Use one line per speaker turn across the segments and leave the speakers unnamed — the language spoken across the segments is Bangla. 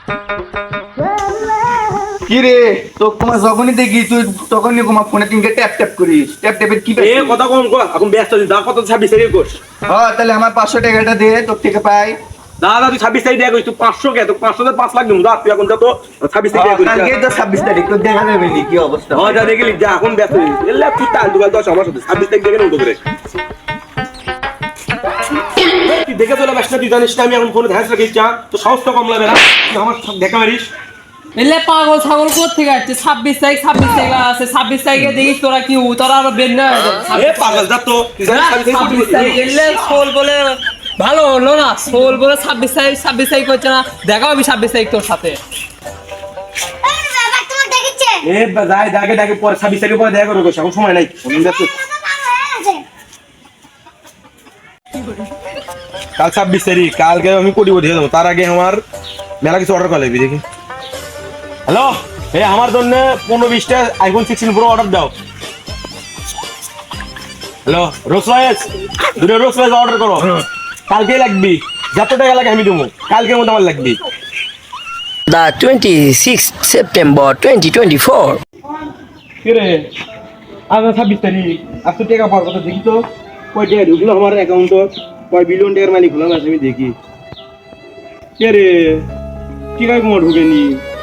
কি রে তো তোমার যখনই দেখি তুই তখনই তোমার ফোনে তিনকে ট্যাপ ট্যাপ করিস ট্যাপ ট্যাপের কি
এ কথা কম কর এখন ব্যস্ত আছি দা কত 26 তারিখ কর
হ্যাঁ তাহলে আমার 500 টাকাটা দে তোর থেকে পাই
দাদা তুই 26 তারিখ দেয়া করিস তুই 500 কে তো 500 তে 5 লাখ দিমু দা তুই এখন যা তো 26 তারিখ দেয়া করিস
কালকে তো 26 তারিখ তো দেখা যাবে নি কি অবস্থা
হ্যাঁ যা দেখলি যা এখন ব্যস্ত আছি এলে তুই তাল দুগাল দশ আমার সাথে 26 তারিখ দেখে নেব করে তুই দেখে চলে বাসনা তুই জানিস না আমি এখন ফোনে ধ্যান রাখিস যা তো সাহস তো কম লাগে না তুই আমার দেখা মারিস
এলে পাগল ছাগল কোথা থেকে আসছে 26 তারিখ আছে 26 তারিখে দেখিস তোরা কি তোরা আরো বের না
এ পাগল যা তো তুই জানিস
26 তারিখ এলে সোল বলে ভালো হলো না সোল বলে 26 তারিখ হচ্ছে না দেখাও আমি 26 তারিখ তোর সাথে
এ যাই দাগে দাগে পরে 26 তারিখ পরে দেখা করব এখন সময় নাই আমি ব্যস্ত কাল 26 তারিখ কালকে আমি কোটি কোটি দেবো তার আগে আমার মেলা কিছু অর্ডার করে লাগবে দেখি হ্যালো এই আমার জন্য 15-20টা আইফোন 16 প্রো অর্ডার দাও হ্যালো রোলস রয়েস দুটো রোলস রয়েস অর্ডার করো কালকে লাগবে যত টাকা লাগে আমি দেবো কালকের মধ্যে আমার লাগবে
The 26th September 2024.
কি রে আজ 26 তারিখ আজ তো টাকা পাওয়ার কথা দেখি তো কয় টাকা ঢুকলো আমার অ্যাকাউন্ট কয় বিলিয়ন টাকার মালিক হলাম আজ আমি দেখি কে রে কি কাজ তোমার ঢুকেনি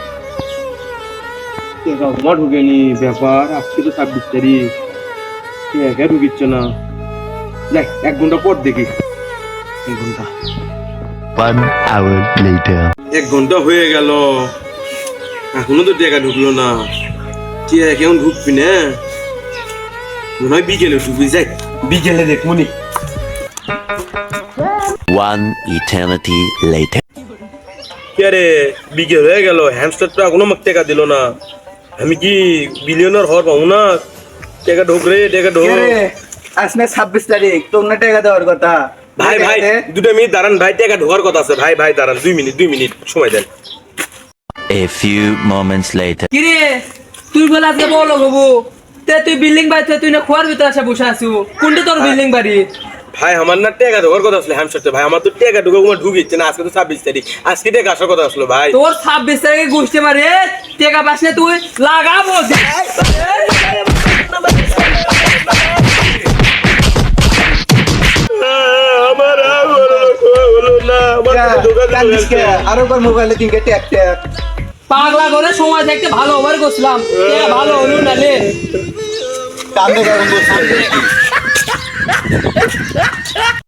টাকা ঢুকেনি ব্যাপার আজকে তো 26 তারিখ টাকা ঢুকিচ্ছে না যাই 1 ঘন্টা পর দেখি 1 ঘন্টা
1 hour later.
1 ঘন্টা হয়ে গেল এখনো তো টাকা ঢুকলো না টাকা কেমন ঢুকবি না মনে হয় বিকেলে ঢুকবি যাই বিকেলে দেখবো নি
1 eternity later.
কে রে বিকেল হয়ে গেল হ্যামস্টার তো এখনো আমাকে টাকা দিল না আমি কি বিলিয়নার হওয়ার পাবো না টাকা ঢোক রে টাকা ঢোক
কি রে আজকে 26 তারিখ তোর না টাকা দেওয়ার কথা
ভাই ভাই 2 মিনিট দাঁড়ান ভাই টাকা ঢোকার কথা আছে ভাই ভাই দাঁড়ান 2 মিনিট সময় দেন
A few moments later.
কি রে তুই বলে আজকে বলো বাবু তুই বিল্ডিং বাড়ি তুই না খোয়ার ভিতরে আসে বসে আছিস কোনটা তোর বিল্ডিং বাড়ি
ভাই আমার না টাকা ঢোকার কথা আসলে হ্যামস্টারতে ভাই আমার তো টাকা ঢোকা কোনো ঢুকিচ্ছে না আজকে তো 26 তারিখ আজকে টাকা আসার কথা আসলো ভাই
তোর 26 তারিখে গোষ্ঠী মারে টেকা পাসনে তুই লাগাবো
আমার হলো না
কান্দিস কে আরো বার মোবাইলে তিনকে ট্যাপ ট্যাপ
পাগলা করে সময় দেখতে ভালো ওভার করছিলাম ভালো হলো না লে
কান্দে কারণ বসে